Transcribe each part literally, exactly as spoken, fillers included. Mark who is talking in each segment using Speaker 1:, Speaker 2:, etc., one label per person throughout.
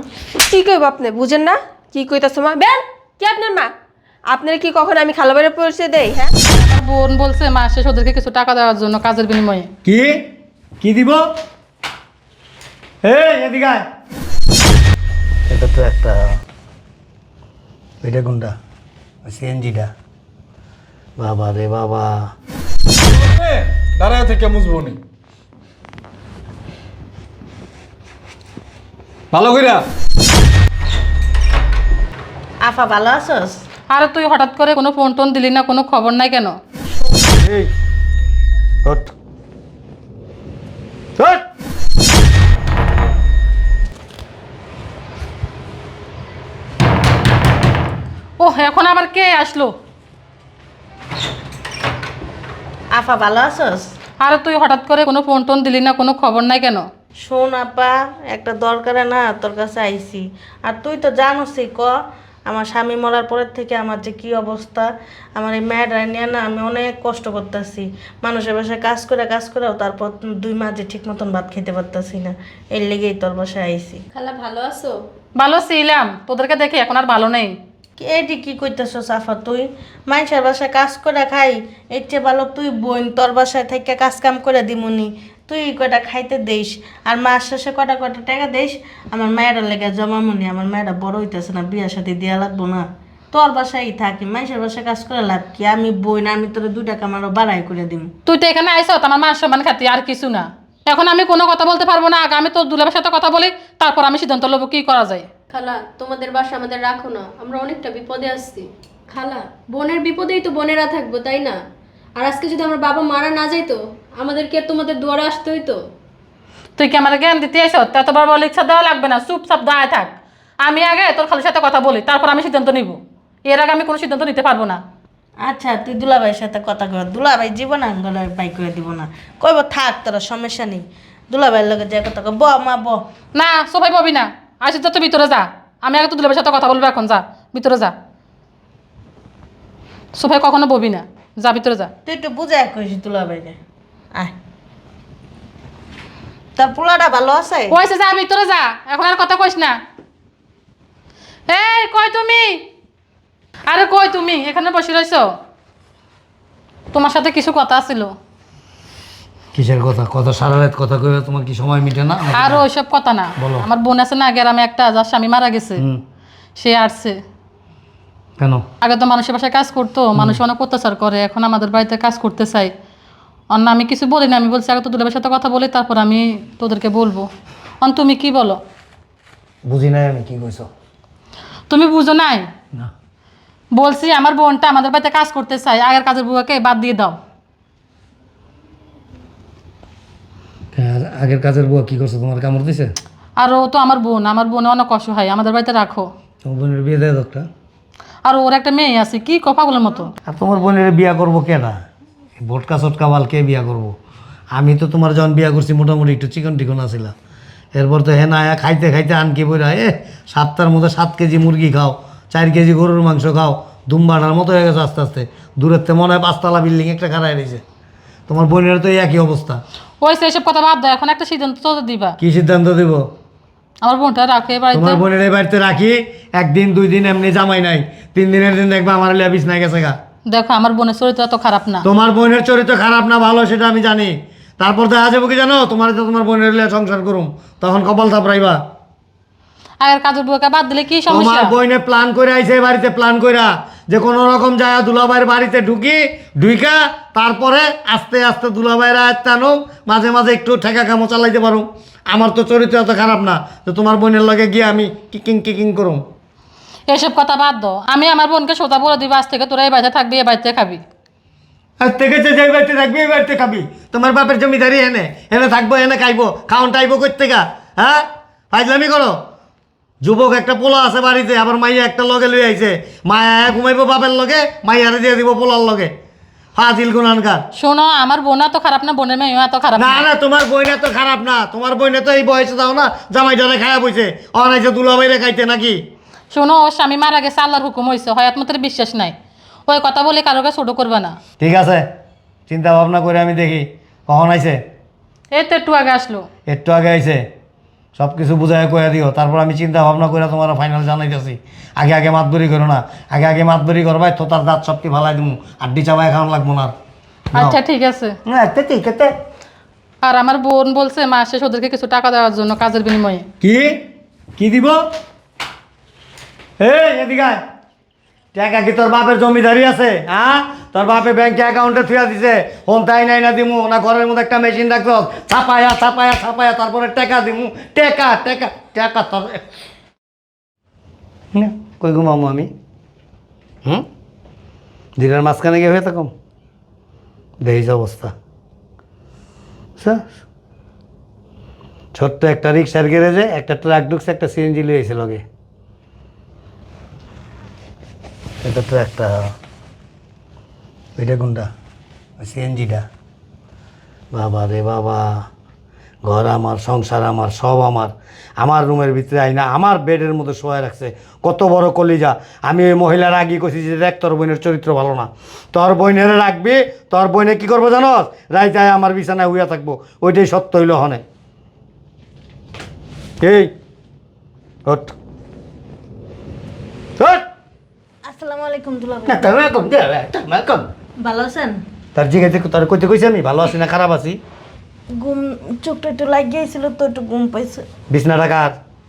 Speaker 1: কি কইব আপনি বুঝেন না কি কইতাছ মা বেন কি আপনার মা আপনার কি কখন আমি খালাবারে পরিচয় দেই হ্যাঁ
Speaker 2: আমার বোন বলছে মাস শেষ ওদেরকে কিছু টাকা দেওয়ার জন্য কাজের বিনিময়ে।
Speaker 3: কি কি দিব? এই এদিকে আয়। এটা তো একটা এটা কোনটা সিএনজিটা বাবা রে বাবা
Speaker 4: দাঁড়ায় থেকে মুছবো নি ভালো কইরা।
Speaker 5: আফা ভালো আছোস?
Speaker 2: আরে তুই হঠাৎ করে কোনো ফোন টোন দিলি না, কোনো খবর নাই কেন?
Speaker 3: এই ওঠ ওঠ
Speaker 2: ও এখন আবার কে আসলো?
Speaker 5: আফা ভালো আছোস?
Speaker 2: আরে তুই হঠাৎ করে কোনো ফোন টোন দিলি না, কোনো খবর নাই কেন?
Speaker 5: শোন আপা, একটা দরকারে না তোর কাছে আইছি। আর তুই তো জানোসই ক আমার স্বামী মরার পরের থেকে আমার যে কি অবস্থা। আমার এই মেয়েটা নিয়ে না আমি অনেক কষ্ট করতেছি। মানুষের বাসায় কাজ করে কাজ করেও তারপর দুই মাঝে ঠিক মতন ভাত খেতে পারতাছি না। এর লেগেই তোর বাসায় আইছি।
Speaker 1: খালা ভালো আছো?
Speaker 2: ভালো ছিলাম, তোদেরকে দেখি এখন আর ভালো নেই।
Speaker 5: এটি কি কইতেছ সাফা? তুই মানুষের বাসায় কাজ করে খাই, এর চেয়ে ভালো তুই বোন তোর বাসায় থেকে কাজ কাম করে দিমুনি, তুই কয়টা খাইতে দিস আর মাস শেষে কটা কটা টাকা দিস আমার মায়েরা লেগে জমামুনি। আমার মায়েরা বড় হইতেছে না, বিয়ার সাথে দেওয়া লাগবো না? তোর বাসায় থাকি, মানুষের বাসায় কাজ করে লাভ কি? আমি বই না, আমি তোর দুই টাকা আমারও বাড়াই করে দিম।
Speaker 2: তুই তো এখানে আইস আমার মান সম্মান খাতি, আর কিছু না। এখন আমি কোনো কথা বলতে পারবো না, আগে আমি তোর দুলাভের সাথে কথা বলি, তারপর আমি সিদ্ধান্ত নেবো কি করা যায়।
Speaker 6: খালা তোমাদের বাসা আমাদের রাখো না, আমরা অনেকটা বিপদে আসছি। খালা বোনের বিপদেই তো বোনেরা থাকবো, তাই না? আর আজকে যদি আমার বাবা মারা না যাইতো আমাদেরকে আর তোমাদের দুয়ারে আসতে হইতো?
Speaker 2: তুই কি আমার জ্ঞান দিতে এসো? ততবার বলে ইচ্ছা দেওয়া লাগবে না, চুপচাপ দাঁড়ায় থাক। আমি আগে তোর খালির সাথে কথা বলি, তারপর আমি সিদ্ধান্ত নিব। এর আগে আমি কোনো সিদ্ধান্ত নিতে পারবো না।
Speaker 5: আচ্ছা তুই দুলাভাইয়ের সাথে কথা কর, দুলাভাই জীবন আঙ্গলের বাই করে দিব না, কইব থাক তোর সমস্যা নেই। দুলাভাইয়ের লগে যে কথা কর, ব মা ব।
Speaker 2: না সবাই পাবি না, আসি তো ভিতরে যা। আমি আগে তো দুলাভের সাথে কথা বলবো, এখন যা ভিতরে যা। সোফায় কখনো ববি না, যা ভিতরে যা।
Speaker 5: তুই একটু বুঝে কইস দুলাভাইরে। আয়, তার পোলাটা ভালো আছে?
Speaker 2: কইছে যা ভিতরে যা, এখন আর কথা কইস না। এই কই তুমি? আরে কই তুমি? এখানে বসে রইছো? তোমার সাথে কিছু কথা ছিল।
Speaker 3: কিসের কথা? কথা সারা রাত কথা কইবে, তোমার কি সময় মিটে না?
Speaker 2: আর ওইসব কথা না,
Speaker 3: বলো।
Speaker 2: আমার বোন আছে না গ্রামে একটা, যার স্বামী মারা গেছে,
Speaker 3: হুম,
Speaker 2: সে আসছে।
Speaker 3: কেন?
Speaker 2: আগে তো মানুষের বাসায় কাজ করতো, মানুষ অনেক অত্যাচার করে, এখন আমাদের বাড়িতে কাজ করতে চাই। অন্য আমি কিছু বলি না, আমি বলছি আগে তো দুলাবের সাথে কথা বলি, তারপর আমি তোদেরকে বলবো। অন তুমি কি বলো?
Speaker 3: বুঝি নাই আমি কি কইছো।
Speaker 2: তুমি বুঝো নাই?
Speaker 3: না
Speaker 2: বলছি আমার বোনটা আমাদের বাড়িতে কাজ করতে চাই, আগের কাজের বুয়াকে বাদ দিয়ে দাও।
Speaker 3: আর আগের কাজের বুয়া কি করছে? তোমার কামড় দিছে?
Speaker 2: আর ও তো আমার বোন, আমার বোনে অনেক অসহায়, আমাদের বাড়িতে রাখো।
Speaker 3: তোমার বোনের বিয়ে দেয় দরকার।
Speaker 2: আর ওর একটা মেয়ে আছে, কি কপাগুলোর মতো।
Speaker 3: আর তোমার বোনের বিয়া করবো কেনা? ভোটকা চটকা বাল কে বিয়া করবো? আমি তো তোমার যখন বিয়া করছি মোটামুটি একটু চিকন টিকন আসিলা, এরপর তো হেনা আয়া খাইতে খাইতে আনকি বইরা এ সাতটার মধ্যে সাত কেজি মুরগি খাও, চার কেজি গরুর মাংস খাও, দুমবাটার মতো হয়ে গেছে আস্তে আস্তে। দূরের থেকে মনে হয় পাঁচতলা বিল্ডিং একটা খাড়াই রয়েছে। তোমার বোনের তো এই একই অবস্থা।
Speaker 2: ওই সেসব কথা বাদ দাও, এখন একটা সিদ্ধান্ত তো দিবা।
Speaker 3: কি সিদ্ধান্ত দিব?
Speaker 2: আমার বোনটা রাখো এ বাড়িতে।
Speaker 3: তোমার বোনের এই বাড়িতে রাখি একদিন দুই দিন এমনি জামাই নাই, তিন দিনের দিন দেখবা আমার লিয়া বিছনায় গেছে গা।
Speaker 2: দেখো আমার বোনের চরিত্র তো খারাপ না।
Speaker 3: তোমার বোনের চরিত্র খারাপ না ভালো সেটা আমি জানি, তারপর দেখা যাবো কি জানো, তোমার তো তোমার বোনের লিয়া সংসার করুম, তখন কপাল থাপড়াইবা।
Speaker 2: আগের কাজের বুয়াকে বাদ দিলে কি
Speaker 3: তোমার
Speaker 2: সমস্যা?
Speaker 3: বইনে প্ল্যান করে আইছে এই বাড়িতে, প্ল্যান কইরা যে কোনো রকম যায় দুলাভাইয়ের বাড়িতে ঢুকি ঢুইকা তারপরে আস্তে আস্তে দুলাভাইয়ের আয়ত্তে আনো, মাঝে মাঝে একটু ঠেকা কামো চালাইতে পারো। আমার তো চরিত্র এত খারাপ না যে তোমার বোনের লগে গিয়ে আমি কিকিং কিকিং করুম।
Speaker 2: এসব কথা বাদ দাও, আমি আমার বোনকে সোজা বলে দিব আজ থেকে তোরা এই বাড়িতে থাকবি, এই বাড়িতে খাবি।
Speaker 3: আর থেকে যে যেই বাড়িতে থাকবি এই বাড়িতে খাবি। তোমার বাপের জমিদারি এনে এনে থাকবো, এনে খাইবো, খাওয়ান টাইবো করতে গা। হ্যাঁ ফাইজলামি করো। যুবক একটা পোলা আছে বাড়িতে, আবার মাইয়া একটা লগে লই আইছে, মায়া ঘুমাইবো বাপের লগে, মাইয়ারে দিয়ে দিব পোলার লগে। ফাজিল গুনানকার।
Speaker 2: শোনো আমার বোন এত খারাপ না, বোনের মেয়েও এত খারাপ
Speaker 3: না
Speaker 2: না।
Speaker 3: না তোমার বইনা তো খারাপ না, তোমার বইনে তো এই বয়সে দাও না জামাই ডরে খায়া বইছে, অনাইছে দুলাভাইরে খাইতে নাকি।
Speaker 2: শোনো ওর স্বামী মারা গেছে, আল্লাহর হুকুম হয়েছে, হয়াত মতের বিশ্বাস নাই। ওই কথা বলে কারোকে ছোট করবে না।
Speaker 3: ঠিক আছে চিন্তা ভাবনা করে আমি দেখি কখন আইছে।
Speaker 2: এই তো একটু আগে আসলো।
Speaker 3: একটু আগে আইছে, সব কিছু বুঝায় কয়ে দিও, তারপর আমি চিন্তা ভাবনা করে তোমার ফাইনাল জানাইতেছি। আগে আগে মাতবরি করো না, আগে আগে মাতবরি করবাই তো তার দাঁত সবটি ভালাই দিমু, আড্ডি চাবাই খাওয়ান লাগবো না।
Speaker 2: আচ্ছা ঠিক আছে।
Speaker 3: না এতে ঠিক আছে।
Speaker 2: আর আমার বোন বলছে মাস শেষ ওদেরকে কিছু টাকা দেওয়ার জন্য কাজের বিনিময়ে।
Speaker 3: কি কি দিব? এই এদিকে আয়। টাকা কি তোর বাপের জমিদারি আছে? হ্যাঁ, তোর বাপে ব্যাংকে অ্যাকাউন্টে থুয়া দিছে, হোম তাই নাই না দিমু না ঘরের মধ্যে একটা মেশিন রাখছ, ছাপায়া ছাপায়া ছাপায়া তারপরে টাকা দিমু। টাকা টাকা টাকা তোর না, কই ঘুমামো আমি? হুম, দিনের মাঝখানে গিয়ে হয়ে থাকুম, দেখিস অবস্থা। বুঝছস? ছোট্ট একটা রিক্সার গ্যারেজে একটা ট্রাক ঢুকছে, একটা সিএনজি লিয়েছে লগে। এটা ট্রাকটা, ওইটা কোনটা? ওই সিএনজিটা। বাবা রে বাবা, ঘর আমার, সংসার আমার, সব আমার। আমার রুমের ভিতরে আইনা আমার বেডের মধ্যে শোয়া রাখছে। কত বড় কলিজা। আমি ওই মহিলার আগে কইছি যে দেখ তোর বোনের চরিত্র ভালো না, তোর বোনের রাখবি, তোর বোনে কি করবো জানস? রাইতে আয় আমার বিছানায় হুইয়া থাকবো। ওইটাই সত্য হইল হনে। এই ওঠ ওঠ।
Speaker 5: আসসালামু আলাইকুম দুলাভাই।
Speaker 3: না তুমি কম দে, তুমি কম।
Speaker 5: ভালো আছেন?
Speaker 3: তার জিজ্ঞাসা তোর কইতে কইছি আমি ভালো আছি না খারাপ আছি?
Speaker 5: ঘুম চোখটা একটু লাগিয়েছিল তো একটু ঘুম পাইছে।
Speaker 3: বিছনা টাকার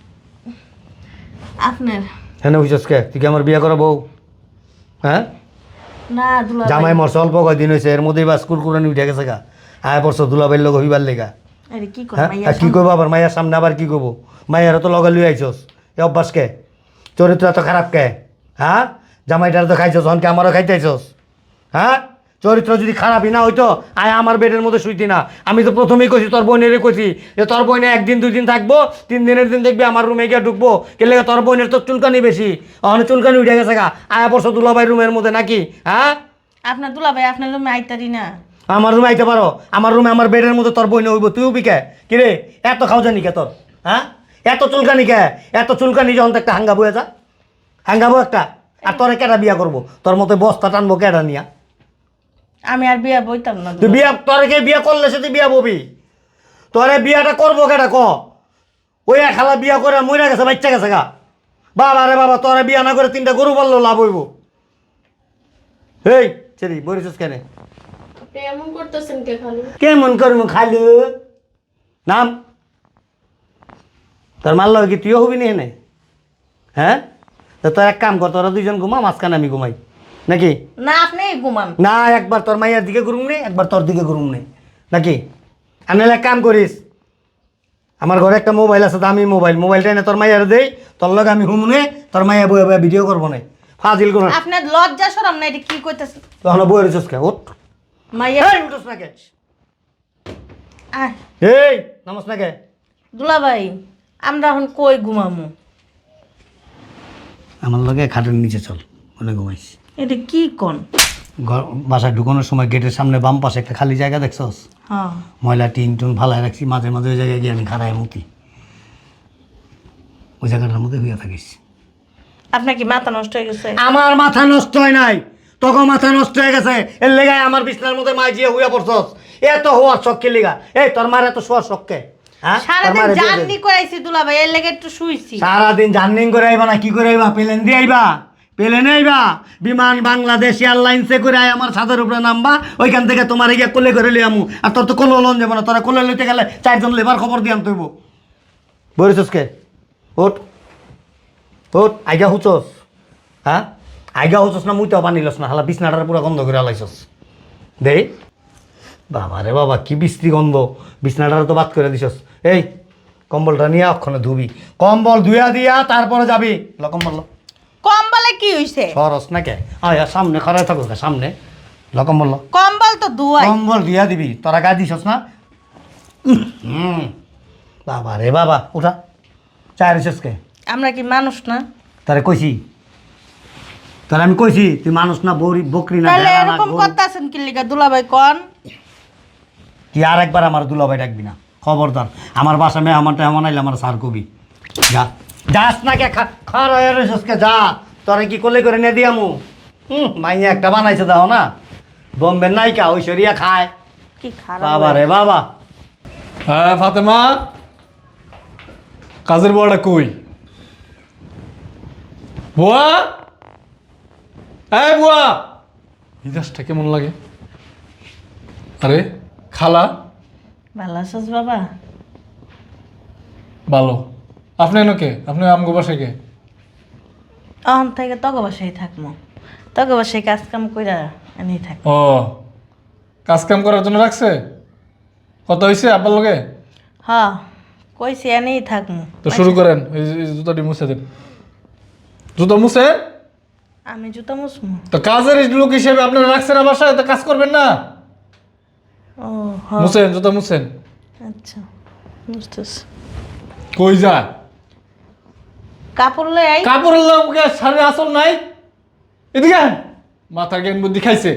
Speaker 5: আপনার?
Speaker 3: হ্যাঁ বুঝছস কে? তুই কি আমার বিয়ে করা বউ? হ্যাঁ,
Speaker 5: না দুলাভাই।
Speaker 3: জামাই মরছে অল্প কয়দিন হয়েছে, এর মধ্যেই বা স্কুল কুরানি উঠে গেছে গা। আয় পড়ছো দুলাবাইর লোক হইবার লেগা।
Speaker 5: আরে কি কর
Speaker 3: হ্যাঁ,
Speaker 5: মাইয়া?
Speaker 3: আর কি করবো আবার মাইয়ার সামনে? আবার কি করবো? মাইয়ারও তো লগে লুই আইছস, এ অভ্যাস কে? চরিত্র এত খারাপ কে? হ্যাঁ, জামাইটার তো খাইছস, হনকে আমারও খাইতে আইছস। হ্যাঁ, চরিত্র যদি খারাপই না হইতো আয় আমার বেডের মধ্যে শুইতি না। আমি তো প্রথমেই কইছি তোর বোনেরই কইছি যে তোর বোনে একদিন দুই দিন থাকবো, তিন দিনের দিন দেখবি আমার রুমে গিয়ে ঢুকবো। কে লেগে? তোর বোনের তো চুলকানি বেশি, অনেক চুলকানি উঠে গেছে গা। আয়া পড়ছো দুলাভাই রুমের মধ্যে নাকি? হ্যাঁ,
Speaker 5: আপনার দুলাভাই আপনার রুমে আইতারি না?
Speaker 3: আমার রুমে আইতে পারো? আমার রুমে আমার বেডের মধ্যে তোর বইনে হইব, তুইও বিকে কিরে? এত খাও জানি কে তোর? হ্যাঁ, এত চুলকানি কে? এত চুলকানি যখন তো একটা হাঙ্গাবো, এটা হাঙ্গাবো একটা। আর তোরে কেটা বিয়া করবো? তোর মতো বস্তা টানবো কেটা নিয়া?
Speaker 5: আমি আর বিয়া বইতাম না।
Speaker 3: তুই বিয়া, তোরে কে বিয়া করলে সে তুই বিয়া ববি? তোরে বিয়াটা করবো কেটা ক? ওই এক খালা বিয়া করে মরে গেছে, বাচ্চা গেছে গা। বাবা রে বাবা, তোরে বিয়া না করে তিনটা গরু বললো লাভ হইব। এই চেরি বলিস কেন?
Speaker 6: আপনি এমন করতেছেন কে খালু?
Speaker 3: কেমন করবো খালু? নাম তোর মারল কি তুইও হবি নি এনে? হ্যাঁ, তো তোর এক কাম কর, তোরা দুইজন ঘুমা, মাঝখানে আমি ঘুমাই নাকি?
Speaker 5: না আপনি ঘুমান।
Speaker 3: না, একবার তোর মাইয়ার দিকে ঘুরুম নেই, একবার তোর দিকে ঘুরুম নেই নাকি? আমি এক কাম করিস, আমার ঘরে একটা মোবাইল আছে, দামি মোবাইল, মোবাইলটা এনে তোর মাইয়ার দেই, তোর লগে আমি ঘুমনে, তোর মাইয়া বয়ে বয়ে ভিডিও করবো না। ফাজিল কোন?
Speaker 5: আপনার লজ্জা শরম না? এটা কি কইতাছেন?
Speaker 3: তখন বয়ে রেছিস কে? ওঠ।
Speaker 5: মাইয়া
Speaker 3: এই উঠোস না কে?
Speaker 5: আহ,
Speaker 3: এই নামস না কে?
Speaker 5: দুলাভাই আমরা এখন কই ঘুমামু?
Speaker 3: আমার লগে খাটের নিচে চল, মনে ঘুমাইস।
Speaker 5: এটা কি কোন?
Speaker 3: ঘর বাসায় ঢুকানোর সময় গেটের সামনে বাম পাশে একটা খালি জায়গা দেখছস?
Speaker 5: হ্যাঁ।
Speaker 3: ময়লা টিন টুন ফালাই রাখছি, মাঝে মাঝে ওই জায়গায় গিয়ে আমি খাড়ায় মুতি, ওই জায়গাটার মধ্যে হইয়া থাকিস।
Speaker 5: আপনার কি মাথা নষ্ট হয়ে গেছে?
Speaker 3: আমার মাথা নষ্ট হয় নাই, তোকে মাথা নষ্ট হয়ে গেছে। এর লেগায় আমার বিছনার মধ্যে মাই জিয়ে হইয়া পড়ছস। এত হওয়ার শখ কে লেগা? এই তোর মার এত শোয়ার শখ কে? হ্যাঁ, তোর
Speaker 5: সারাদিন
Speaker 3: মারে দিয়ে দে।
Speaker 5: জার্নি করাইছি দুলাভাই, এর লেগে একটু শুইছি।
Speaker 3: সারাদিন জার্নিং করে আইবা না কি করে আইবা? প্লেন দিয়ে আইবা? প্লেনে আইবা? বিমান বাংলাদেশ এয়ারলাইন্সে করে আই আমার ছাদের উপরে নামবা, ওইখান থেকে তোমার গিয়ে কোলে করে লিয়ে আমু। আর তোর তো কোলে লোন যাবো না, তোরা কোলে লইতে গেলে চারজন লেবার খবর দিয়ে আনতে হইব। বলিস কে? ওট ওট, আইগা হুচস? হ্যাঁ, আইগা হুচস না মুইতেও পানি লস না? হালা বিছনাটার পুরো গন্ধ করে আলাইছস। দেই বাবা রে বাবা, কি বিশ্রী গন্ধ! বিছনাটার তো বাদ করে দিছস। এই কম্বলটা নিয়ে অক্ষণে ধুবি, কম্বল ধুইয়া দিয়া তারপরে যাবি। ল কম্বল ল।
Speaker 5: কম্বলে কি হইছে?
Speaker 3: সরস না কে? আয় আয়, সামনে খরায় থাকো কে? সামনে ল কম্বল ল।
Speaker 5: কম্বল তো ধুয়াই।
Speaker 3: কম্বল ধুইয়া দিবি, তোরা গা দিছস না? হুম, বাবা রে বাবা, উঠা। চায় রেছিস কে?
Speaker 5: আমরা কি মানুষ না?
Speaker 3: তারে কইছি, তারে আমি কইছি তুই মানুষ না, বৌরি বকরি না,
Speaker 5: তাহলে
Speaker 3: ভেড়া না,
Speaker 5: এরকম
Speaker 3: গরু।
Speaker 5: করতেছেন কি লিগা দুলাভাই কোন?
Speaker 3: তুই আর একবার আমার দুলাভাই ডাকবি না, খবরদার। আমার বাসা মেহমান টেহমান আইলে আমার সার কবি। যা, যাস না কে? খারায় রেছিস কে? যা, তোরে কি কোলে করে নিয়ে দিয়ামু? হুম, মাইয়া একটা বানাইছে দাও না, বোম্বের নায়িকা ঐশ্বরিয়া খায়।
Speaker 5: কি খারাপ।
Speaker 3: বাবা রে বাবা।
Speaker 4: হ্যাঁ ফাতেমা, কাজের বুয়াটা কই? বুয়া, এই বুয়া, মিজাজটা কেমন লাগে? আরে খালা,
Speaker 5: ভালো আছিস বাবা?
Speaker 4: ভালো। আপনি এনকে, আপনি আমগো বাসায় কে?
Speaker 5: অহন থেকে তগ বাসায় থাকবো, তগ বাসায় কাজ কাম কইরা এনেই থাক।
Speaker 4: ও, কাজ কাম করার জন্য রাখছে? কত হয়েছে আব্বার লগে?
Speaker 5: হ, কইছি এনেই থাকবো।
Speaker 4: তো শুরু করেন, এই যে- এই জুতাটি মুছে দেন। জুতা মুছে?
Speaker 5: আমি জুতা মুসমু?
Speaker 4: তো কাজের লোক হিসেবে আপনারা রাখছেন আমার বাসায়, তো কাজ করবেন না?
Speaker 5: ও হ,
Speaker 4: মুছেন, জুতা মুছেন।
Speaker 5: আচ্ছা বুঝতেছি।
Speaker 4: কই যা?
Speaker 5: কাপড় লই আই।
Speaker 4: কাপড়ের লোকে শাড়ির আসল নাই? এদিকে আন। মাথা জ্ঞান বুদ্ধি খাইছে।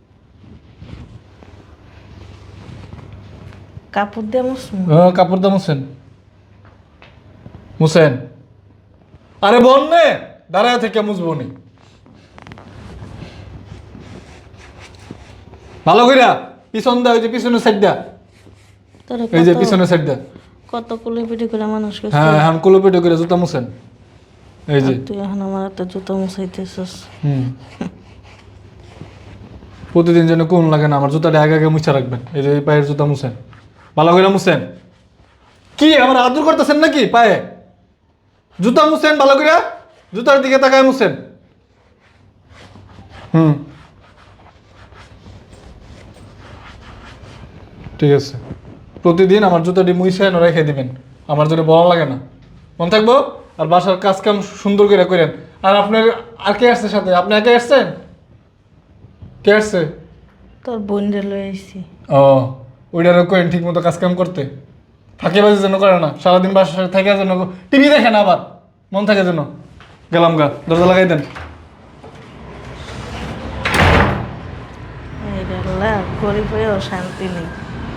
Speaker 5: কাপড় দিয়ে মুসমু?
Speaker 4: হ্যাঁ, কাপড় দা মুছেন। মুছেন। আরে বোন নে, দাঁড়ায় থেকে মুছবো নি। ভালো কইরা পিছন দা, ওই যে পিছনের সাইড দা,
Speaker 5: তোরে
Speaker 4: এই যে
Speaker 5: কত-
Speaker 4: পিছনের সাইড দা।
Speaker 5: কত কুলে পিটি করে মানুষ করছিস,
Speaker 4: হ্যাঁ, এখন কুলো পেটে করে জুতা মুছেন। এই যে
Speaker 5: তুই এখন আমার একটা জুতা মুছাইতেছিস।
Speaker 4: হুম প্রতিদিন যেন কোন লাগে না, আমার জুতাটা আগে আগে মুছা রাখবেন। এই যে এই পায়ের জুতা মুছেন, ভালো করে মুছেন। কি আমার আদর করতেছেন নাকি পায়ে? জুতা মুছেন ভালো করে, জুতার দিকে তাকায় মুছেন। হুম ঠিক আছে, প্রতিদিন আমার জুতাটি মুছে এনে রেখে দিবেন, আমার জন্য বলা লাগে না। মন থাকবো? আর বাসার কাজ কাম সুন্দর করে করেন। আর আপনার আর কে আসছে সাথে? আপনি একে আসছেন? কে আসছে?
Speaker 5: তোর বোন রে লই আইছি।
Speaker 4: ও, ওইটারও করেন ঠিক মতো কাজ কাম করতে। ফাঁকে বাজে যেন করে না, সারাদিন বাসায় থাকে যেন টিভি দেখে না, আবার মন থাকে যেন। গেলাম গা, দরজা লাগাই দেন।
Speaker 5: এই রে আল্লাহ, গরিব হয়েও শান্তি নেই।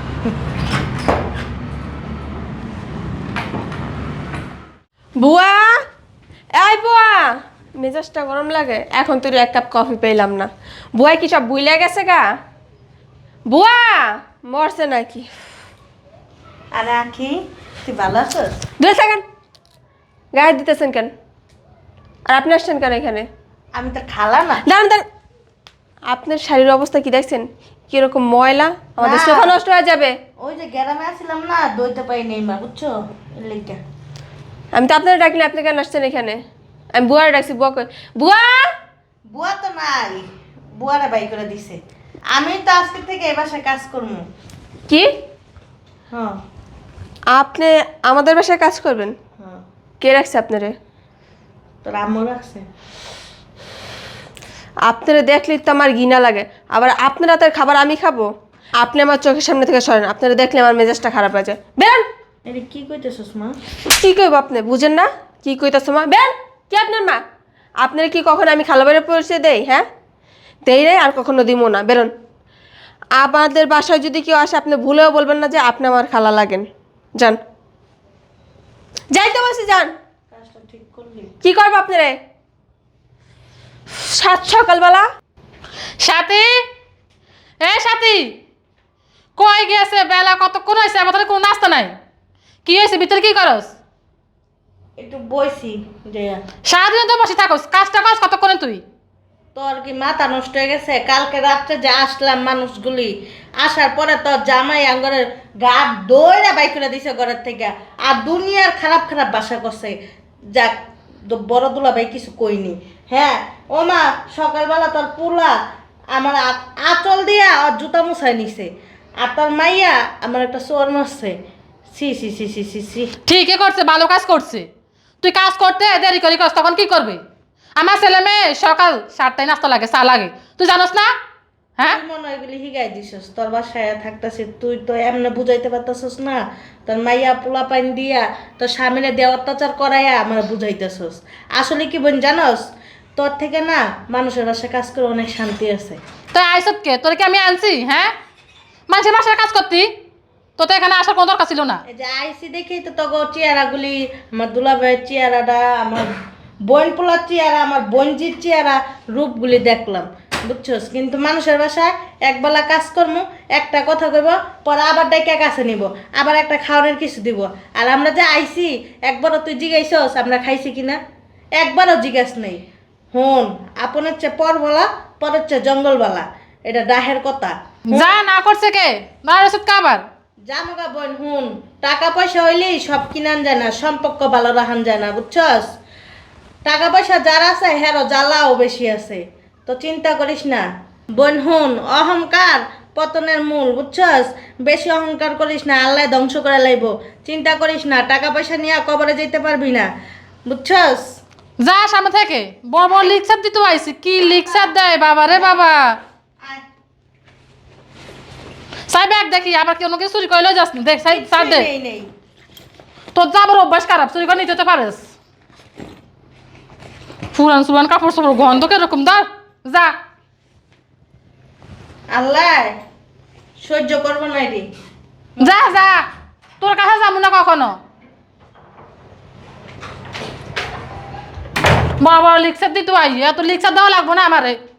Speaker 1: বুয়া, এই বুয়া, মেজাজটা গরম লাগে। এখন তোর এক কাপ কফি পেলাম না। বুয়া কি সব বুইলা গেছে গা? বুয়া মরছে নাকি?
Speaker 5: আরে আখি, তুই ভালো আছিস?
Speaker 1: দূরে থাকেন, গায়ে দিতেছেন কেন? আর আপনি আসছেন কেন এখানে?
Speaker 5: আমি তোর খালা না?
Speaker 1: দাঁড়ান দাঁড়ান, আপনার শারীর অবস্থা কি দেখছেন? কিরকম ময়লা, আমাদের
Speaker 5: না।
Speaker 1: সোফা নষ্ট হয়ে যাবে।
Speaker 5: ওই যে গ্রামে আসছিলাম না, দইতে পাই নেই মা, বুঝছো? এর লেগা।
Speaker 1: আমি তো আপনারা ডাকিনি, আপনি কেন আসছেন এখানে? আমি বুয়ারে ডাকছি, বুয়া কই? বুয়া,
Speaker 5: বুয়া তো নাই, বুয়ারে বাই করে দিছে। আমি তো আজকে থেকে এই বাসায় কাজ করবো।
Speaker 1: কি
Speaker 5: হ্যাঁ
Speaker 1: আপনি আমাদের বাসায় কাজ করবেন?
Speaker 5: হ্যাঁ,
Speaker 1: কে রাখছে আপনারে?
Speaker 5: তোর আম্মু রাখছে।
Speaker 1: আপনারা দেখলেই তো আমার ঘৃণা লাগে। আবার আপনার হাতের খাবার আমি খাবো? আপনি আমার চোখের সামনে থেকে সরেন, আপনারা দেখলে আমার মেজাজটা খারাপ হয়ে যায়। বেরোন।
Speaker 5: এটা কি কইতেছিস মা?
Speaker 1: কি কইব আপনি? বুঝেন না কি কইতাছো মা? বেন, কি আপনার মা? আপনারা কি কখনো আমি খালাবারে পরিচয় দেই? হ্যাঁ, দেই রে, আর কখনো দিব না। বেরোন। আপনাদের বাসায় যদি কেউ আসে, আপনি ভুলেও বলবেন না যে আপনি আমার খালা লাগেন। যান, যাইতে বলছি, যান।
Speaker 5: কাজটা ঠিক করলি?
Speaker 1: কি করবো আপনারে? সাত সকালবেলা
Speaker 2: সাথী, এ সাথী, কই গেছে? বেলা কতক্ষণ হয়েছে, আমাদের কোনো নাস্তা নাই। কি হয়েছে, ভিতরে কি করস?
Speaker 5: একটু বইছি যে।
Speaker 2: সারাদিন তো বসে থাকস, কাজটা কাজ কতক্ষণে তুই?
Speaker 5: তোর কি মাথা নষ্ট হয়ে গেছে? কালকে রাত্রে যে আসলাম মানুষগুলি, আসার পরে তোর জামাই আঙ্গরের গা দইরা বাই করে দিছে ঘরের থেকে, আর দুনিয়ার খারাপ খারাপ বাসা করছে। যাক, দ- বড় দুলা ভাই কিছু কইনি। হ্যাঁ ও মা, সকালবেলা তোর পুলা আমার আ- আঁচল দিয়া আর জুতা মুছাই নিছে, আর তোর মাইয়া আমার একটা চোর মারছে। সি সি সি সি সি সি
Speaker 2: ঠিকই করছে, ভালো কাজ করছে। তুই কাজ করতে দেরি করি করস, তখন কি করবে? আমার ছেলে মেয়ে সকাল সাতটায় নাস্তা লাগে, চা লাগে, তুই জানোস না? হ্যাঁ,
Speaker 5: তুই মনে হয় এগুলি হিগাই দিছস। তোর বাসায় থাকতেছিস, তুই তো এমনি বুঝাইতে পারতেছস না। তোর মাইয়া পোলা পাইন দিয়া তোর স্বামীরে দেওয়া অত্যাচার করাইয়া আমার বুঝাইতেছস। আসলে কি বোন জানোস, তোর থেকে না মানুষের বাসায় কাজ করে অনেক শান্তি আছে।
Speaker 2: তুই আইসত কে? তোর কি আমি আনছি? হ্যাঁ, মানুষের বাসায় কাজ করতি, তো তো এখানে আসার কোনো দরকার ছিল না।
Speaker 5: এই যে আইসি দেখেই তো তোর চেহারাগুলি, আমার দুলাভাইয়ের চেহারাটা, আমার বোন পোলার চেহারা, আমার বোনজির চেহারা, রূপগুলি দেখলাম। বুঝছস? কিন্তু মানুষের বাসায় একবেলা কাজ করবো, একটা কথা কইব, পরে আবার ডাইকা কাছে নিব, আবার একটা খাওয়ানোর কিছু দিব। আর আমরা যে আইছি একবারও তুই জিগাইছস আমরা খাইছি কিনা? একবারও জিজ্ঞাস নেই। হুন, আপনের চেয়ে পর বলা, পরের চেয়ে জঙ্গল বলা, এটা ডাহের কথা।
Speaker 2: যা না করছে কে না ওষুধ খাবার
Speaker 5: জামগা বোন হুন, টাকা পয়সা হইলেই সব কিনান যায় না, সম্পর্ক ভালো রাখান যায় না, বুঝছস? টাকা পয়সা যার আছে হেরো জ্বালাও বেশি আছে, তো চিন্তা করিস না বোন। হুন, অহংকার পতনের মূল, বুঝছস? বেশি অহংকার করিস না, আল্লাহ ধ্বংস করে লাইব। চিন্তা করিস না, টাকা পয়সা নিয়ে কবরে যেতে পারবি না, বুঝছস?
Speaker 2: যা সামনে থেকে বড় বড় লিকসার দিতে আইছি কি লিকসার দেয় বাবা রে বাবা
Speaker 5: আয়,
Speaker 2: সাই ব্যাগ দেখি আবার কেউ কিছু চুরি করলেও যাস না দেখ সাই সার দে
Speaker 5: নেই নেই
Speaker 2: তোর যাবার অভ্যাস খারাপ চুরি করে নিতে তো পারিস পুরান সুরান কাপড় সাপড় গন্ধ কিরকম ধর যা
Speaker 5: আল্লাহ সহ্য করবো না রে।
Speaker 2: যা যা তোর কাছে যাবো না কখনো বড় বড় লিকসার দিতে আই এত লিকসার দেওয়া লাগবো না আমারে